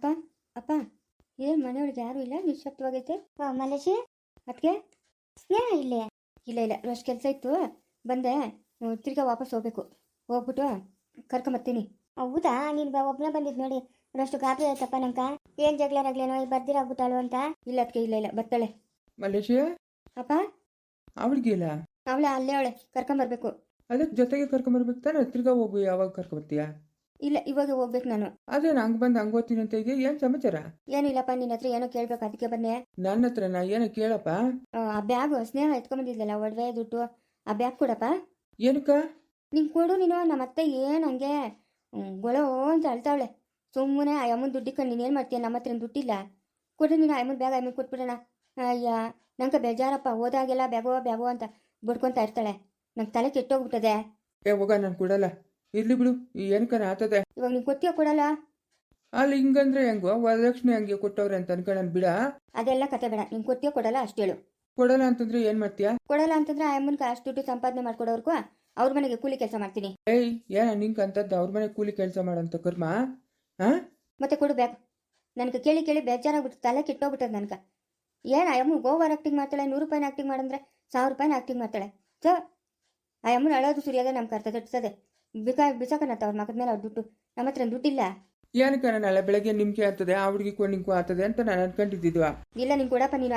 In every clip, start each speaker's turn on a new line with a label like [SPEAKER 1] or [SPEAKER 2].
[SPEAKER 1] ಅಪ್ಪ ಅಪ್ಪ ಏನು ಮನೆಯೊಳಗೆ ಯಾರೂ ಇಲ್ಲ, ನಿಶ್ಶಬ್ದವಾಗೈತೆ.
[SPEAKER 2] ಮಲೇಶಿ
[SPEAKER 1] ಅದಕ್ಕೆ
[SPEAKER 2] ಸ್ನೇಹ ಇಲ್ಲೇ?
[SPEAKER 1] ಇಲ್ಲ ಇಲ್ಲ, ಅಷ್ಟು ಕೆಲಸ ಇತ್ತು, ಬಂದೆ. ತಿರ್ಗಾ ವಾಪಸ್ ಹೋಗ್ಬೇಕು, ಹೋಗ್ಬಿಟ್ಟು ಕರ್ಕೊಂಬರ್ತೀನಿ.
[SPEAKER 2] ಹೌದಾ, ನೀನು ಒಬ್ಬನೇ ಬಂದಿದ್ದು ನೋಡಿ, ಅಷ್ಟು ಗಾಬರಿ ಆಯ್ತಪ್ಪ ನಂಕ. ಏನು ಜಗಳಾಗ್ಲೇನೋ ಬರ್ದಿರಾಗ್ಬಿಟ್ಟಾಳು ಅಂತ.
[SPEAKER 1] ಇಲ್ಲ ಅದಕ್ಕೆ, ಇಲ್ಲ ಇಲ್ಲ, ಬರ್ತಾಳೆ.
[SPEAKER 3] ಮಲೇಶಿಯಾ
[SPEAKER 1] ಅಪ್ಪ
[SPEAKER 3] ಅವಳಿಗಿಲ್ಲ,
[SPEAKER 1] ಅವಳೆ ಅಲ್ಲೇ ಅವಳೆ, ಕರ್ಕೊಂಬರ್ಬೇಕು.
[SPEAKER 3] ಅದಕ್ಕೆ ಜೊತೆಗೆ ಕರ್ಕೊಂಬರ್ಬೇಕು ತಾನೆ, ತಿರ್ಗಾ ಹೋಗು. ಯಾವಾಗ ಕರ್ಕೊಂಬರ್ತೀಯಾ?
[SPEAKER 1] ಇಲ್ಲ, ಇವಾಗ ಹೋಗ್ಬೇಕು ನಾನು.
[SPEAKER 3] ಅದೇನು ಹಂಗೆ ಬಂದು ಹಂಗೆ ಓದ್ತೀನಿ ಅಂತ ಇದೆಯಾ? ಏನು ಸಮಾಚಾರ?
[SPEAKER 1] ಏನಿಲ್ಲಪ್ಪ, ನಿನ್ನ ಹತ್ರ ಏನೋ ಕೇಳ್ಬೇಕು, ಅದಕ್ಕೆ ಬನ್ನಿ.
[SPEAKER 3] ನನ್ನ ಹತ್ರ ನಾ ಏನೋ ಕೇಳಪ್ಪ.
[SPEAKER 1] ಆ ಬ್ಯಾಗು ಸ್ನೇಹ ಎತ್ಕೊಂಬಂದಿದ್ಲಲ್ಲ, ಒಡವೆ ದುಡ್ಡು, ಆ ಬ್ಯಾಗ್ ಕೊಡಪ್ಪ.
[SPEAKER 3] ಏನಕ್ಕ?
[SPEAKER 1] ನಿಂಗೆ ಕೊಡು ನೀನು. ನಮ್ಮ ಅತ್ತೆ ಏನು ಹಂಗೆ ಗೊಳೋ ಅಂತ ಅಳ್ತಾವಳೆ. ಸುಮ್ಮನೆ ಆ ಅಮ್ಮನ ದುಡ್ಡಿಕೊಂಡು ನೀನೇನು ಮಾಡ್ತೀಯ? ನಮ್ಮ ಹತ್ರ ದುಡ್ಡಿಲ್ಲ, ಕೊಡು ನೀನು. ಅಮ್ಮನ ಬ್ಯಾಗ್ ಅಮ್ಮನ ಕೊಟ್ಬಿಡೋಣ. ಅಯ್ಯ, ನಂಗೆ ಬೇಜಾರಪ್ಪ, ಹೋದಾಗೆಲ್ಲ ಬ್ಯಾಗೋ ಬ್ಯಾಗೋ ಅಂತ ಬಡ್ಕೊತಾ ಇರ್ತಾಳೆ. ನಂಗೆ ತಲೆ ಕೆಟ್ಟೋಗ್ಬಿಟ್ಟದೆ.
[SPEAKER 3] ಹೋಗ, ನಾನು ಕೊಡಲ್ಲ. ಇರ್ಲಿ ಬಿಡು, ಏನಕ್ಕನ ಆತದೆ.
[SPEAKER 1] ಇವಾಗ ನೀನು ಕೊಡ್ತೀಯ ಕೊಡಲ್ಲ?
[SPEAKER 3] ಅಲ್ಲಿ ಹಿಂಗಂದ್ರೆ ಹೆಂಗೋ, ವರದಕ್ಷಿಣೆ ಹಂಗೆ ಕೊಟ್ಟವ್ರೆ ಅಂತ ಅನ್ಕೊಳ್ಳೋಣ ಬಿಡ.
[SPEAKER 1] ಅದೆಲ್ಲ ಕತೆ ಬೇಡ, ನೀನು ಕೊಡ್ತೀಯ ಕೊಡಲ್ಲ ಅಷ್ಟು ಹೇಳು.
[SPEAKER 3] ಕೊಡಲ್ಲ ಅಂತಂದ್ರೆ ಏನು ಮಾಡ್ತೀಯಾ?
[SPEAKER 1] ಕೊಡಲ್ಲ ಅಂತಂದ್ರೆ ಆ ಅಮ್ಮನಿಗೆ ಅಷ್ಟು ದುಡ್ಡು ಸಂಪಾದನೆ ಮಾಡ್ಕೊಡೋರ್ಗೂ ಅವ್ರ ಮನೆಗೆ ಕೂಲಿ ಕೆಲಸ ಮಾಡ್ತೀನಿ.
[SPEAKER 3] ಏಯ್, ಏನ ನಿಂಗೆ ಅಂತದ್ದು ಅವ್ರ ಮನೆ ಕೂಲಿ ಕೆಲಸ ಮಾಡೋಂಥ ಕರ್ಮ? ಹಾಂ,
[SPEAKER 1] ಮತ್ತೆ ಕೊಡು ಬ್ಯಾಗ್. ನನಗೆ ಕೇಳಿ ಕೇಳಿ ಬೇಜಾರಾಗ್ಬಿಟ್ಟು ತಲೆ ಕೆಟ್ಟೋಗ್ಬಿಟ್ಟದ ನನಗೆ. ಏನು ಆ ಅಮ್ಮ ಓವರ್ ಆಕ್ಟಿಂಗ್ ಮಾಡ್ತಾಳೆ. 100 ರೂಪಾಯಿನ ಆಕ್ಟಿಂಗ್ ಮಾಡಂದ್ರೆ 1000 ರೂಪಾಯಿನ ಆಕ್ಟಿಂಗ್ ಮಾಡ್ತಾಳೆ. ಸೊ ಆ ಅಮ್ಮನ ಅಳೋದು ಸುರಿಯೋದೇ ನಮ್ಮ ಕರ್ತ ತಟ್ಟಿಸದೆ. ಬಿಸಾಕನತ್ತ ಅವ್ರ ಮಗದ ಮೇಲೆ ಅವ್ರ ದುಡ್ಡು. ನಮ್ಮ ಹತ್ರ ದುಡ್ಡಿಲ್ಲ.
[SPEAKER 3] ಏನಕ್ಕ ನಾಳೆ ಬೆಳಗ್ಗೆ ನಿಮ್ಗೆ ಆಗ್ತದೆ, ಆ ಹುಡುಗಿಗೂ ನಿಂಗೂ ಆಗ್ತದೆ ಅಂತ ನಾನು ಅನ್ಕೊಂಡಿದ್ದಿದ್ವಾ.
[SPEAKER 1] ಇಲ್ಲ, ನೀನು ಕೊಡಪ್ಪ ನೀನು.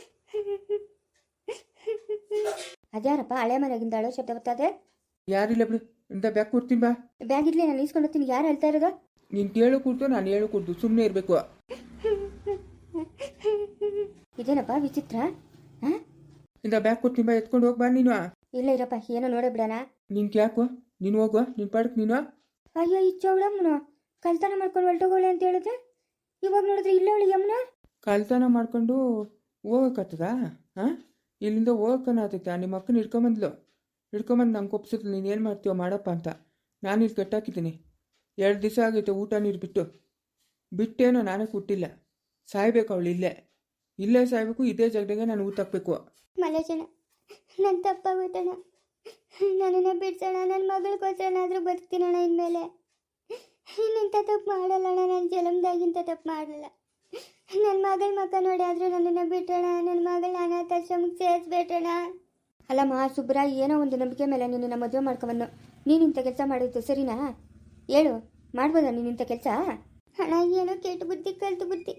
[SPEAKER 1] ಅದ್ಯಾರಪ್ಪ ಹಳೆ ಮನೆಗಿಂದ ಅಳೋ ಶಬ್ದ ಬರ್ತದೆ?
[SPEAKER 3] ಯಾರಿಲ್ಲ ಬಿಡು, ಇಂಥ ಬ್ಯಾಗ್ ಕೊಡ್ತೀನಿ ಬಾ.
[SPEAKER 1] ಬ್ಯಾಗ್ ಇರ್ಲಿ, ನಾನು ಇಸ್ಕೊಂಡು ಹೋಗ್ತೀನಿ. ಯಾರು ಹೇಳ್ತಾ ಇರೋದು?
[SPEAKER 3] ನೀನು ಕೇಳು ಕೊಡ್ತು, ನಾನು ಹೇಳು ಕೊಡ್ತು, ಸುಮ್ಮನೆ ಇರಬೇಕು.
[SPEAKER 1] ಇದೇನಪ್ಪ ವಿಚಿತ್ರ? ಹಾಂ,
[SPEAKER 3] ಇಂಥ ಬ್ಯಾಗ್ ಕೊಡ್ತೀನಿ ಬಾ, ಎತ್ಕೊಂಡು ಹೋಗಿ ಬಾ ನೀನು.
[SPEAKER 1] ಇಲ್ಲ ಇರಪ್ಪ, ಏನೋ ನೋಡೇ ಬಿಡೋಣ.
[SPEAKER 3] ನಿನ್ಗೆ ಯಾಕೋ, ನೀನು ಹೋಗುವ, ನಿನ್ನ ಪಾಡಕ್ಕೆ ನೀನು.
[SPEAKER 1] ಅಯ್ಯೋ, ಈ ಚೌಳಮ್ಮನು ಕಳ್ತನ ಮಾಡ್ಕೊಂಡು ಹೊರಟೋಗೋಳೆ ಅಂತ ಹೇಳಿದ್ರೆ, ಇವಾಗ ನೋಡಿದ್ರೆ ಇಲ್ಲ ಅವಳು ಯಮ್ಮನ.
[SPEAKER 3] ಕಳ್ತನ ಮಾಡ್ಕೊಂಡು ಹೋಗಕ್ಕತ್ತದ? ಹಾಂ, ಇಲ್ಲಿಂದ ಹೋಗಕ್ಕನಾತೈತೆ. ನಿಮ್ಮ ಅಕ್ಕನ ಹಿಡ್ಕೊಂಬಂದು ನಂಗೆ ಒಪ್ಸಿದ್ಲು. ನೀನು ಏನು ಮಾಡ್ತೀವೋ ಮಾಡಪ್ಪ ಅಂತ. ನಾನು ಇಲ್ಲಿ ಕಟ್ಟಾಕಿದ್ದೀನಿ. 2 ದಿವಸ ಆಗೈತೆ ಊಟ ನೀರು ಬಿಟ್ಟೇನೋ ನಾನೇ ಕೊಟ್ಟಿಲ್ಲ. ಸಾಯ್ಬೇಕು ಅವಳು ಇಲ್ಲೇ ಸಾಯ್ಬೇಕು. ಇದೇ ಜಾಗದಾಗೆ ನಾನು ಊಟ ಹಾಕ್ಬೇಕು.
[SPEAKER 2] ಮಲೇಶನ, ನನ್ನ ತಪ್ಪಾಗೋಯ್ತಣ್ಣ, ನನ್ನನ್ನು ಬಿಡ್ಸೋಣ. ನನ್ನ ಮಗಳಿಗೋಸ್ಕರನಾದರೂ ಬರ್ತೀನಣ್ಣ ಇನ್ಮೇಲೆ. ಇನ್ನಿಂಥ ತಪ್ಪು ಮಾಡಲ್ಲಣ್ಣ, ನನ್ನ ಜನ್ಮದಾಗಿಂತ ತಪ್ಪು ಮಾಡಲ್ಲ. ನನ್ನ ಮಗಳ ಮಕ್ಕ ನೋಡಿ ಆದರೂ ನನ್ನನ್ನು ಬಿಟ್ಟೋಣ. ನನ್ನ ಮಗಳ ಅನಾಥಾಶ್ರಮಕ್ಕೆ ಸೇರಿಸ್ಬೇಟಣ.
[SPEAKER 1] ಅಲ್ಲಮ್ಮ ಸುಬ್ರ, ಏನೋ ಒಂದು ನಂಬಿಕೆ ಮೇಲೆ ನಿನ್ನ ಮದುವೆ ಮಾಡ್ಕೊಂಬನ್ನು ನೀನಿಂಥ ಕೆಲಸ ಮಾಡಿದ್ದು ಸರಿನಾ? ಹೇಳು, ಮಾಡ್ಬೋದಾ ನೀನಿಂಥ ಕೆಲಸ?
[SPEAKER 2] ಹಣ ಏನೋ ಕೆಟ್ಟು ಬುದ್ಧಿ, ಕಲ್ತು ಬುದ್ಧಿ.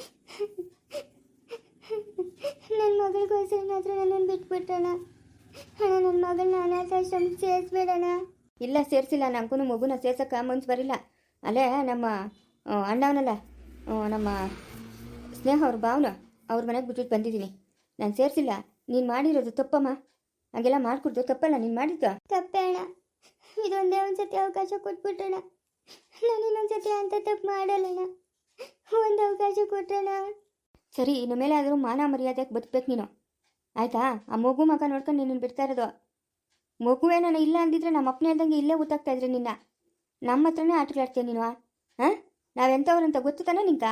[SPEAKER 2] ನನ್ನ ಮಗಳಿಗೋಸ್ಕರನಾದರೂ ನನ್ನನ್ನು ಬಿಟ್ಬಿಟ್ಟಣ. ಹಣ, ನನ್ನ ಮಗಳನ್ನ ಅನಾಥಾಶ್ರಮಕ್ಕೆ ಸೇರಿಸ್ಬೇಡಣ.
[SPEAKER 1] ಇಲ್ಲ, ಸೇರಿಸಿಲ್ಲ. ನನಗೂ ಮಗುನ ಸೇರ್ಸಕ್ಕೆ ಮನ್ಸು ಬರಿಲ್ಲ. ಅಲ್ಲೇ ನಮ್ಮ ಅಣ್ಣವನಲ್ಲ, ನಮ್ಮ ಸ್ನೇಹ ಅವ್ರ ಭಾವನ ಅವ್ರ ಮನೆಗೆ ಬಿಟ್ಬಿಟ್ಟು ಬಂದಿದ್ದೀನಿ. ನಾನು ಸೇರಿಸಿಲ್ಲ. ನೀನು ಮಾಡಿರೋದು ತಪ್ಪಮ್ಮ. ಹಾಗೆಲ್ಲ ಮಾಡ್ಕೊಡ್ದು ತಪ್ಪಲ್ಲ ನೀನು ಮಾಡಿದ್ದು.
[SPEAKER 2] ತಪ್ಪೇ ಅಣ್ಣ, ಇದೊಂದೇ ಒಂದು ಸತಿ ಅವಕಾಶ ಕೊಟ್ಬಿಟ್ಟಣ. ನಾನು ಇನ್ನೊಂದು ಸತಿ ಅಂತ ತಪ್ಪು ಮಾಡಲ್ಲಣ್ಣ. ಒಂದು ಅವಕಾಶ ಕೊಟ್ಟಣ.
[SPEAKER 1] ಸರಿ, ಇನ್ನು ಮೇಲೆ ಆದರೂ ಮಾನ ಮರ್ಯಾದೆಗೆ ಬದುಕಬೇಕು ನೀನು, ಆಯಿತಾ? ಆ ಮಗು ಮಗ ನೋಡ್ಕೊಂಡು ನೀನು ಬಿಡ್ತಾ ಇರೋದು. ಮಗುವೇ ನಾನು ಇಲ್ಲ ಅಂದಿದ್ರೆ ನಮ್ಮ ಅಪ್ಪನೇ ಹೇಳ್ದಂಗೆ ಇಲ್ಲೇ ಊತಾಗ್ತಾ ಇದ್ರೆ ನಿನ್ನ. ನಮ್ಮ ಹತ್ರನೇ ಆಟಗಳಾಡ್ತೀಯ ನೀನು. ಹಾಂ, ನಾವೆಂಥವ್ರಂತ ಗೊತ್ತು ತಾನೆ ನಿಂಕ?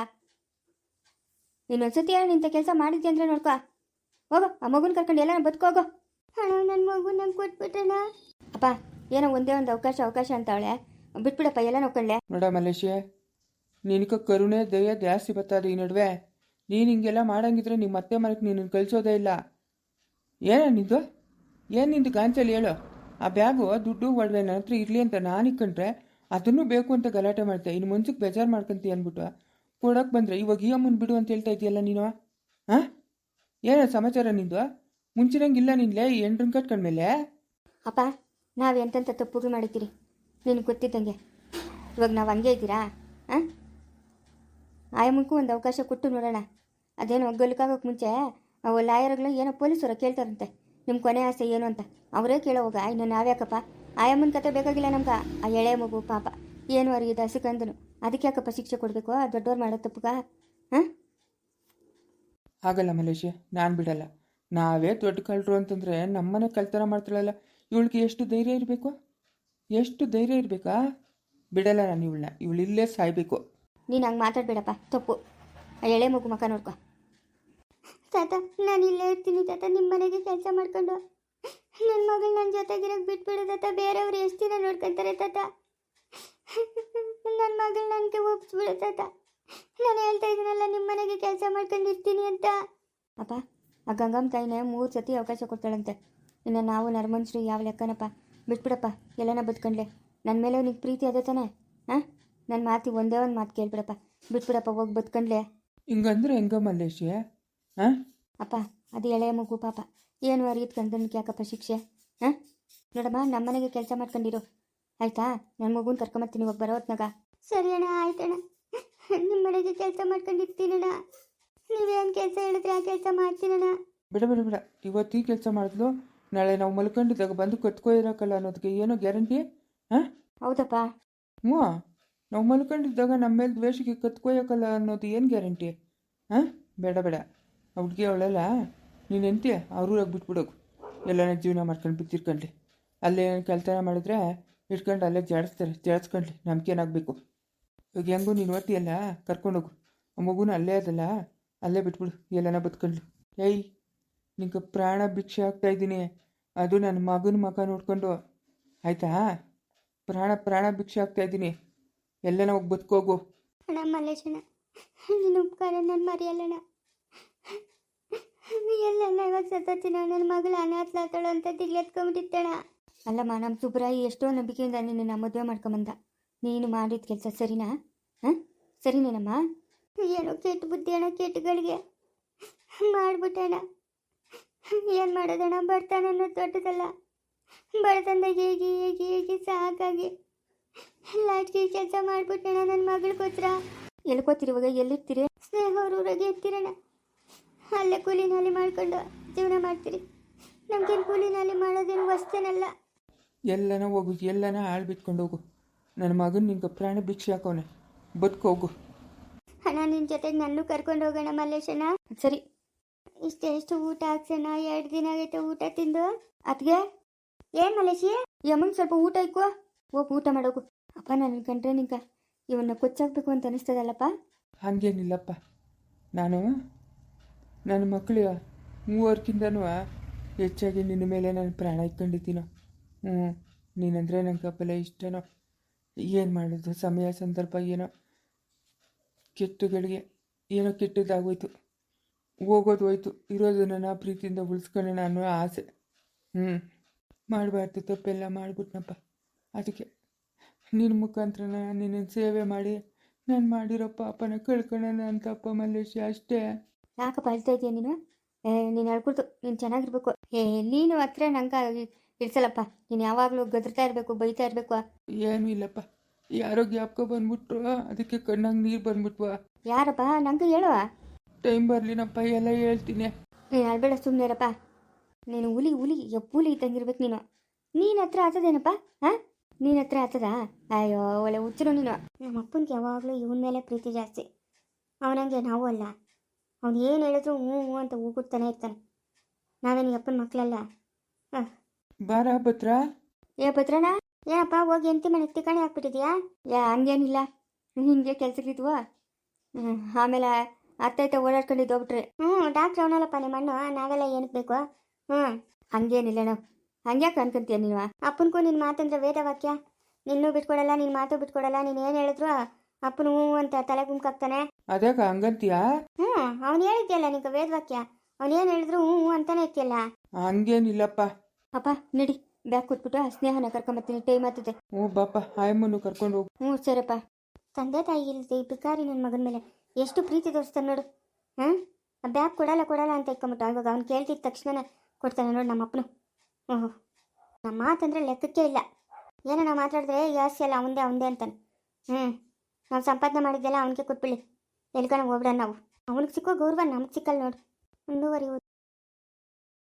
[SPEAKER 1] ನೀನೊಂದ್ಸತಿ ಏನೋ ನಿಂತ ಕೆಲಸ ಮಾಡಿದ್ದೆ ಅಂದರೆ ನೋಡ್ಕೊ. ಹೋಗೋ, ಆ ಮಗುನ ಕರ್ಕೊಂಡು ಎಲ್ಲ ಬದುಕೋಗೋ.
[SPEAKER 2] ಹಣ, ನನ್ನ ಮಗು ನಂಗೆ ಕೊಟ್ಬಿಟ್ಟಣ.
[SPEAKER 1] ಅಪ್ಪ, ಏನೋ ಒಂದೇ ಒಂದು ಅವಕಾಶ ಅಂತ ಅವಳೆ, ಬಿಟ್ಬಿಡಪ್ಪ, ಎಲ್ಲ ನೋಡ್ಕೊಳ್ಳೆ.
[SPEAKER 3] ನೋಡ ಮಲೇಶಿಯ, ನಿನಕ ಕರುಣೆ ದಯ ಜಾಸ್ತಿ ಬರ್ತದೆ ಈ ನಡುವೆ. ನೀನು ಹಿಂಗೆಲ್ಲ ಮಾಡಂಗಿದ್ರೆ ನಿಮ್ಮ ಅತ್ತೆ ಮನೆಗೆ ನೀನು ಕಳಿಸೋದೇ ಇಲ್ಲ. ನಿಂದು ನಿಂದು ಗಾಂಚಲಿ ಹೇಳು. ಆ ಬ್ಯಾಗು ದುಡ್ಡು ಒಡವೆ ನನ್ನ ಹತ್ರ ಇರಲಿ ಅಂತ ನಾನು ಇಕ್ಕೊಂಡ್ರೆ ಅದನ್ನು ಬೇಕು ಅಂತ ಗಲಾಟೆ ಮಾಡ್ತೆ. ಇನ್ನು ಮುಂಚೆಗೆ ಬೇಜಾರು ಮಾಡ್ಕೊಂತೀಯ ಅಂದ್ಬಿಟ್ಟು ಕೊಡೋಕೆ ಬಂದರೆ ಇವಾಗ ಈ ಅಮ್ಮನ ಬಿಡು ಅಂತ ಹೇಳ್ತಾ ಇದೆಯಲ್ಲ ನೀನು. ಹಾಂ, ಸಮಾಚಾರ ನಿಂದು? ಮುಂಚಿನಂಗಿಲ್ಲ ನಿನ್ಲೆ ಈ ಎಂಟ್ರನ್ ಕಟ್ಕೊಂಡ್ಮೇಲೆ.
[SPEAKER 1] ಅಪ್ಪ, ನಾವು ಎಂತೆಂಥ ತಪ್ಪುಗಳು ಮಾಡಿದ್ದೀರಿ ನಿನಗೆ ಗೊತ್ತಿದ್ದಂಗೆ. ಇವಾಗ ನಾವು ಹಂಗೆ ಇದ್ದೀರಾ? ಹಾಂ, ಆಯಮ್ಮಕ್ಕೂ ಒಂದು ಅವಕಾಶ ಕೊಟ್ಟು ನೋಡೋಣ. ಅದೇನೋ ಗಲ್ಕಾಗೋಕೆ ಮುಂಚೆ ಅವು ಲಾಯರ್ಗಳು ಏನೋ ಪೊಲೀಸರು ಕೇಳ್ತಾರಂತೆ ನಿಮ್ಮ ಕೊನೆ ಆಸೆ ಏನು ಅಂತ. ಅವರೇ ಕೇಳೋವಾಗ ಇನ್ನು ನಾವ್ಯಾಕಪ್ಪ? ಆಯಮ್ಮನ ಕತೆ ಬೇಕಾಗಿಲ್ಲ ನಮ್ಗೆ. ಆ ಎಳೆ ಮಗು ಪಾಪ ಏನು ಅರಿಯದ ಹಸಿಕಂದನು, ಅದಕ್ಕೆ ಯಾಕಪ್ಪ ಶಿಕ್ಷೆ ಕೊಡಬೇಕು? ಆ ದೊಡ್ಡವ್ರು ಮಾಡೋ ತಪ್ಪುಗ? ಹಾಂ,
[SPEAKER 3] ಆಗಲ್ಲ ಮಲೇಶಿಯ, ನಾನು ಬಿಡಲ್ಲ. ನಾವೇ ದೊಡ್ಡ ಕಳ್ಳರು ಅಂತಂದರೆ ನಮ್ಮನೆ ಕಳ್ತನ ಮಾಡ್ತಾಳಲ್ಲ, ಇವಳಿಗೆ ಎಷ್ಟು ಧೈರ್ಯ ಇರಬೇಕಾ? ಬಿಡಲ್ಲ ನಾನು ಇವಳು ಇಲ್ಲೇ ಸಾಯ್ಬೇಕು.
[SPEAKER 1] ನೀನು ಹಂಗೆ ಮಾತಾಡಬೇಡಪ್ಪ, ತಪ್ಪು. ಆ ಎಳೆ ಮಗು ಮಕ್ಕ ನೋಡ್ಕೊ.
[SPEAKER 2] ತಾತ, ನಾನು ಇಲ್ಲೇ ಇರ್ತೀನಿ ತಾತ, ನಿಮ್ಮ ಮನೆಗೆ ಕೆಲಸ ಮಾಡ್ಕೊಂಡು. ನನ್ನ ಮಗಳು ನನ್ನ ಜೊತೆಗಿರೋಕೆ ಬಿಟ್ಬಿಡು ತಾತ. ಬೇರೆಯವ್ರು ಎಷ್ಟು ದಿನ ನೋಡ್ಕೊತಾರೆ ತಾತ. ನನ್ನ ಮಗಳು ನನಗೆ ಒಪ್ಪಿಸ್ಬಿಡು ತಾತ. ನಾನು ಹೇಳ್ತಾ ಇದ್ದೀನಲ್ಲ ನಿಮ್ಮ ಮನೆಗೆ ಕೆಲಸ ಮಾಡ್ಕೊಂಡಿರ್ತೀನಿ ಅಂತ.
[SPEAKER 1] ಅಪ್ಪ ಆ ಗಂಗಮ್ಮ ತಾಯಿನೇ 3 ಸತಿ ಅವಕಾಶ ಕೊಡ್ತಾಳಂತೆ. ಇನ್ನು ನಾವು ನರ್ಮನ್ಶ್ರೀ ಯಾವ ಲೆಕ್ಕನಪ್ಪ. ಬಿಟ್ಬಿಡಪ್ಪ, ಎಲ್ಲನ ಬದುಕೊಂಡ್ಲೆ. ನನ್ನ ಮೇಲೆ ನಿಂಗೆ ಪ್ರೀತಿ ಅದೇ ತಾನೆ? ಹಾಂ, ನನ್ನ ಮಾತಿ ಒಂದೇ ಒಂದು ಮಾತು ಕೇಳ್ಬಿಡಪ್ಪ. ಬಿಟ್ಬಿಡಪ್ಪ, ಹೋಗಿ ಬದುಕೊಂಡ್ಲೆ.
[SPEAKER 3] ಹಿಂಗಂದ್ರೆ ಹೆಂಗ ಮಲ್ಲೇಶಿ? ಹಾಂ,
[SPEAKER 1] ಅಪ್ಪ ಅದು ಎಳೆಯ ಮಗು ಪಾಪ, ಏನು ಅರಿಯತ್ ಕಂದನ್ಗೆ ಯಾಕಪ್ಪ ಶಿಕ್ಷೆ? ಹಾಂ, ನೋಡಮ್ಮ, ನಮ್ಮ ಮನೆಗೆ ಕೆಲಸ ಮಾಡ್ಕೊಂಡಿರು ಆಯಿತಾ? ನನ್ನ ಮಗುನ ಕರ್ಕೊಂಬರ್ತೀನಿ ಹೋಗಿ ಬರೋ ಹೊತ್ನಾಗ.
[SPEAKER 2] ಸರಿ ಅಣ್ಣ, ಆಯ್ತಣ್ಣ. ನಿಮ್ಮ ಮನೆಗೆ ಕೆಲಸ ಮಾಡ್ಕೊಂಡಿರ್ತೀನಣ್ಣ. ನೀವೇನು ಕೆಲಸ ಹೇಳಿದ್ರೆ ಆ ಕೆಲಸ ಮಾಡ್ತೀನಣ್ಣ.
[SPEAKER 3] ಬಿಡ ಬಿಡ ಬಿಡ, ಇವತ್ತು ಈ ಕೆಲಸ ಮಾಡಿದ್ಲು, ನಾಳೆ ನಾವು ಮಲ್ಕೊಂಡಿದ್ದಾಗ ಬಂದು ಕತ್ಕೊ ಇರೋಕ್ಕಲ್ಲ ಅನ್ನೋದಕ್ಕೆ ಏನೋ ಗ್ಯಾರಂಟಿ? ಹಾಂ,
[SPEAKER 1] ಹೌದಪ್ಪ.
[SPEAKER 3] ಹ್ಞೂ, ನಾವು ಮಲ್ಕೊಂಡಿದ್ದಾಗ ನಮ್ಮ ಮೇಲೆ ದ್ವೇಷಕ್ಕೆ ಕತ್ಕೊಯ್ಯೋಕ್ಕಲ್ಲ ಅನ್ನೋದು ಏನು ಗ್ಯಾರಂಟಿ? ಹಾಂ, ಬೇಡ ಬೇಡ. ಆ ಹುಡುಗಿ ಅವಳೆಲ್ಲ ನೀನು ಎಂತೀಯ ಅವ್ರಿಗೆ ಬಿಟ್ಬಿಡೋಗು. ಎಲ್ಲನ ಜೀವನ ಮಾಡ್ಕೊಂಡು ಬಿತ್ತಿರ್ಕೊಂಡ್ಲಿ. ಅಲ್ಲೇ ಕೆಲಸ ಮಾಡಿದ್ರೆ ಇಟ್ಕೊಂಡು ಅಲ್ಲೇ ಜಾಡಿಸ್ಕೊಂಡ್ಲಿ. ನಮ್ಗೆ ಏನಾಗಬೇಕು? ಇವಾಗ ಹೆಂಗೂ ನೀನು ಓದ್ತೀಯಲ್ಲ, ಕರ್ಕೊಂಡೋಗು. ಆ ಮಗುನ ಅಲ್ಲೇ ಅದಲ್ಲ, ಅಲ್ಲೇ ಬಿಟ್ಬಿಡು, ಎಲ್ಲನ ಬದುಕೊಂಡ್ಲಿ. ಏಯ್, ನಿಂಗೆ ಪ್ರಾಣ ಭಿಕ್ಷೆ ಆಗ್ತಾಯಿದ್ದೀನಿ, ಅದು ನನ್ನ ಮಗನ ಮಗ ನೋಡ್ಕೊಂಡು, ಆಯಿತಾ? ಪ್ರಾಣ ಭಿಕ್ಷೆ ಆಗ್ತಾಯಿದ್ದೀನಿ, ಎಲ್ಲನ ಹೋಗಿ ಬದುಕೋಗು.
[SPEAKER 2] ಅಣ್ಣ ಮಲ್ಲೇಶಣ್ಣ, ನಿನ್ನ ಉಪಕಾರ ನಾನು ಮರೆಯಲ್ಲಣ್ಣ. ಎಲ್ಲಣ್ಣ ಇವಾಗ ಸತ್ತೋಗ್ತೀನ, ನನ್ನ ಮಗಳು ಅನಾಥಲಾತಾಳು ಅಂತ ದಿಗ್ಲೆತ್ಕೊಂಡ್ಬಿಟ್ಟಿತ್ತಣ್ಣ.
[SPEAKER 1] ಅಲ್ಲಮ್ಮ, ನಮ್ಮ ಸುಬ್ರಾಯಿ ಎಷ್ಟೋ ನಂಬಿಕೆಯಿಂದ ನಿನ್ನ ಮದುವೆ ಮಾಡ್ಕೊಂಬಂದ. ನೀನು ಮಾಡಿದ ಕೆಲಸ ಸರಿನಾ? ಹಾಂ, ಸರಿನೇನಮ್ಮ?
[SPEAKER 2] ಏನೋ ಕೆಟ್ಟ ಬುದ್ಧಿ ಅಣ್ಣ, ಕೆಟ್ಟಗಳಿಗೆ ಮಾಡ್ಬಿಟ್ಟಣ. ಏನು ಮಾಡೋದಣ್ಣ, ಬಡತನ ಅನ್ನೋದು ದೊಡ್ಡದಲ್ಲ. ಬಡತನದಾಗ ಹೇಗೆ ಹೇಗೆ ಹೇಗೆ ಸಾಕಾಗಿ ಲಾಟ್ಗೆ ಕೆಲಸ ಮಾಡ್ಬಿಟ್ಟಣ ನನ್ನ ಮಗಳಿಗೋಸ್ಕರ.
[SPEAKER 1] ಎಲ್ಕೋತೀರಿ ಇವಾಗ? ಎಲ್ಲಿರ್ತೀರಿ?
[SPEAKER 2] ಸ್ನೇಹ ಊರಾಗೆ ಇರ್ತೀರಣ್ಣ. ಅಲ್ಲೇ ಕೂಲಿ ನಾಲಿ ಮಾಡ್ಕೊಂಡು ಜೀವನ ಮಾಡ್ತೀರಿ. ನಮ್ಗೇನು ಕೂಲಿ ನಾಲಿ ಮಾಡೋದೇನು ವಸ್ತೇನಲ್ಲ.
[SPEAKER 3] ಎಲ್ಲನ ಹೋಗು, ಎಲ್ಲನ ಹಾಳು ಬಿಟ್ಕೊಂಡು ಹೋಗು. ನನ್ನ ಮಗನ ನಿಂಗೆ ಪ್ರಾಣ ಭಿಕ್ಷೆ ಹಾಕೋನೆ, ಬದುಕೋಗು.
[SPEAKER 2] ಅಣ್ಣ, ನಿನ್ನ ಜೊತೆಗೆ ನನ್ನೂ ಕರ್ಕೊಂಡು ಹೋಗೋಣ ಮಲ್ಲೇಶಣ್ಣ.
[SPEAKER 1] ಸರಿ.
[SPEAKER 2] ಇಷ್ಟೆಷ್ಟು ಊಟ ಹಾಕ್ಸೋಣ, 2 ದಿನ ಆಗೈತೆ ಊಟ ತಿಂದು.
[SPEAKER 1] ಅದಕ್ಕೆ
[SPEAKER 2] ಏನು ಮಲೇಶಿ?
[SPEAKER 1] ಯಮ್ಮಂಗೆ ಸ್ವಲ್ಪ ಊಟ ಇಕ್ಕೋ, ಹೋಗಿ ಊಟ ಮಾಡೋಗು. ಅಪ್ಪ, ನನ್ನ ಕಂಡ್ರೆ ನಿಂಗೆ ಇವನ್ನ ಕೊಚ್ಚಾಕಬೇಕು ಅಂತ ಅನಿಸ್ತದಲ್ಲಪ್ಪ?
[SPEAKER 3] ಹಾಗೇನಿಲ್ಲಪ್ಪ, ನಾನು ನನ್ನ ಮಕ್ಕಳು 3 ಹೆಚ್ಚಾಗಿ ನಿನ್ನ ಮೇಲೆ ನಾನು ಪ್ರಾಣ ಇಟ್ಕೊಂಡಿದ್ದೀನೋ. ನೀನಂದರೆ ನಂಗೆ ಬಲ ಇಷ್ಟನೋ. ಏನು ಮಾಡೋದು, ಸಮಯ ಸಂದರ್ಭ ಏನೋ ಕೆಟ್ಟಗಳಿಗೆ ಏನೋ ಕೆಟ್ಟದ್ದಾಗೋಯ್ತು. ಹೋಗೋದು ಹೋಯ್ತು, ಇರೋದು ನನ್ನ ಪ್ರೀತಿಯಿಂದ ಉಳಿಸ್ಕೊಳ್ಳೋಣ ಅನ್ನೋ ಆಸೆ. ಮಾಡಬಾರ್ದು, ತಪ್ಪೆಲ್ಲ ಮಾಡಿಬಿಟ್ನಪ್ಪ. ಅದಕ್ಕೆ ನಿನ್ನ ಮುಖಾಂತರ ನಿನ್ನ ಸೇವೆ ಮಾಡಿ ನಾನು ಮಾಡಿರೋ ಪಾಪನ ಕಳ್ಕೊಳ್ಳೋಣ ಅಂತಪ್ಪ ಮಲ್ಲೇಶಿ, ಅಷ್ಟೇ.
[SPEAKER 1] ಯಾಕಪ್ಪ ಅಳ್ತಾ ಇದೆಯಾ ನೀನು? ನೀನು ಅಳ್ಕೊಡ್ತು, ನೀನು ಚೆನ್ನಾಗಿರ್ಬೇಕು. ನೀನು ಹತ್ರ ನಂಗೆ ಇಡ್ಸಲ್ಲಪ್ಪ. ನೀನು ಯಾವಾಗಲೂ ಗದ್ರತಾ ಇರಬೇಕು, ಬೈತಾ ಇರಬೇಕು.
[SPEAKER 3] ಏನೂ ಇಲ್ಲಪ್ಪ, ಯಾರೋ ಜ್ಞಾಪಕ ಬಂದ್ಬಿಟ್ರು, ಅದಕ್ಕೆ ಕಣ್ಣಾಗ ನೀರು ಬಂದ್ಬಿಟ್ವಾ.
[SPEAKER 1] ಯಾರಪ್ಪ? ನಂಗೆ ಹೇಳುವ.
[SPEAKER 3] ಟೈಮ್ ಬರಲಿನಪ್ಪ, ಎಲ್ಲ ಹೇಳ್ತೀನಿ.
[SPEAKER 1] ನೀನು ಅಳ್ಬೇಡ, ಸುಮ್ಮನೆ ಇರಪ್ಪ. ನೀನು ಹುಲಿ ಇದ್ದಂಗಿರ್ಬೇಕು ನೀನು. ನೀನು ಹತ್ರ ಆತದೇನಪ್ಪ? ಹಾಂ, ನೀನು ಹತ್ರ ಆತದಾ? ಅಯ್ಯೋ, ಒಳ್ಳೆ ಹುಚ್ಚರು ನೀನು.
[SPEAKER 2] ನಮ್ಮ ಅಪ್ಪನಿಗೆ ಯಾವಾಗಲೂ ಇವನ ಮೇಲೆ ಪ್ರೀತಿ ಜಾಸ್ತಿ. ಅವನಂಗೆ ನಾವು ಅಲ್ಲ. ಅವ್ನು ಏನು ಹೇಳಿದ್ರು ಹ್ಞೂ ಹ್ಞೂ ಅಂತ ಹೋಗುತ್ತಾನೆ ಇರ್ತಾನೆ. ನಾವೇನು ಅಪ್ಪನ ಮಕ್ಕಳಲ್ಲ. ಹಾಂ,
[SPEAKER 3] ಬಾರ ಭದ್ರ.
[SPEAKER 1] ಭದ್ರಣ್ಣ?
[SPEAKER 2] ಏನಪ್ಪ, ಹೋಗಿ ಎಂತಿ ಮನೆಗೆ ತಿಕ್ಕಣಿ ಹಾಕ್ಬಿಟ್ಟಿದ್ಯಾ?
[SPEAKER 1] ಹಂಗೇನಿಲ್ಲ, ಹಿಂಗೆ ಕೆಲ್ಸಕ್ಕಿದ್ವು. ಆಮೇಲೆ ಅತ್ತ ಓಡಾಡ್ಕೊಂಡಿದ್ದು ಹೋಗ್ಬಿಟ್ರೆ.
[SPEAKER 2] ಡಾಕ್ಟ್ರ್ ಅವನಲ್ಲಪ್ಪ ನಿಮ್ಮ ಅಣ್ಣ, ನಾವೆಲ್ಲ ಏನಕ್ಕೆ ಬೇಕು?
[SPEAKER 1] ಹಂಗೇನಿಲ್ಲ ನಾವು. ಹಂಗ್ಯಾಕೆ ಅನ್ಕೊಂತೀಯ ನೀನು?
[SPEAKER 2] ಅಪ್ಪನಿಗೂ ನಿನ್ನ ಮಾತಂದ್ರೆ ವೇದವಾಕ್ಯ. ನಿನ್ನೂ ಬಿಟ್ಕೊಡಲ್ಲ, ನಿನ್ನ ಮಾತು ಬಿಟ್ಕೊಡಲ್ಲ. ನೀನು ಏನು ಹೇಳಿದ್ರು ಅಪ್ಪನು ಹ್ಞೂ ಅಂತ ತಲೆ ಗುಂಕಾಗ್ತಾನೆ.
[SPEAKER 3] ಅದ್ಯಾಕ ಹಂಗಂತೀಯಾ?
[SPEAKER 2] ಅವ್ನು ಹೇಳಿದ್ಯಲ್ಲ ನಿಂಗೆ ವೇದವಾಕ್ಯ. ಅವ್ನು ಏನು ಹೇಳಿದ್ರು ಹ್ಞೂ ಹ್ಞೂ ಅಂತಾನೆ ಇರ್ತಿಯಲ್ಲ.
[SPEAKER 3] ಹಂಗೇನಿಲ್ಲಪ್ಪ.
[SPEAKER 1] ಅಪ್ಪ ನಡಿ, ಬ್ಯಾಗ್ ಕೊಟ್ಬಿಟ್ಟು ಸ್ನೇಹನ ಕರ್ಕೊಂಬರ್ತೀನಿ, ಟೈಮ್ ಆಗ್ತದೆ.
[SPEAKER 3] ಬಾಪ, ಆಯಮ್ಮನ್ನು ಕರ್ಕೊಂಡು ಹೋಗು.
[SPEAKER 1] ಸರಪ್ಪ.
[SPEAKER 2] ತಂದೆ ತಾಯಿ ಇಲ್ಲದೆ ಈ ಭಿಕಾರಿ ನನ್ನ ಮಗನ ಮೇಲೆ ಎಷ್ಟು ಪ್ರೀತಿ ತೋರಿಸ್ತಾನೆ ನೋಡು. ಆ ಬ್ಯಾಗ್ ಕೊಡಲ್ಲ ಅಂತ ಇಟ್ಕೊಂಬಿಟ್ಟು ಇವಾಗ ಅವ್ನು ಕೇಳ್ತಿದ್ದ ತಕ್ಷಣ ಕೊಡ್ತಾನೆ ನೋಡು ನಮ್ಮ ಅಪ್ಪನು. ನಮ್ಮ ಮಾತಂದ್ರೆ ಲೆಕ್ಕಕ್ಕೆ ಇಲ್ಲ. ಏನೋ ನಾವು ಮಾತಾಡಿದ್ರೆ ಜಾಸ್ತಿ ಅಲ್ಲ, ಅವಂದೇ ಅಂತಾನೆ. ನಾವು ಸಂಪಾದನೆ ಮಾಡಿದ್ದೆಲ್ಲ ಅವನಿಗೆ ಕೊಟ್ಬಿಡಿ. ಎಲ್ಕನ ಹೋಗ್ಬಿಡ ನಾವು. ಅವನಿಗೆ ಸಿಕ್ಕೋ ಗೌರವ ನಮ್ಗೆ ಸಿಕ್ಕಲ್ಲ ನೋಡು. ಮುಂದುವರಿಯುವುದು.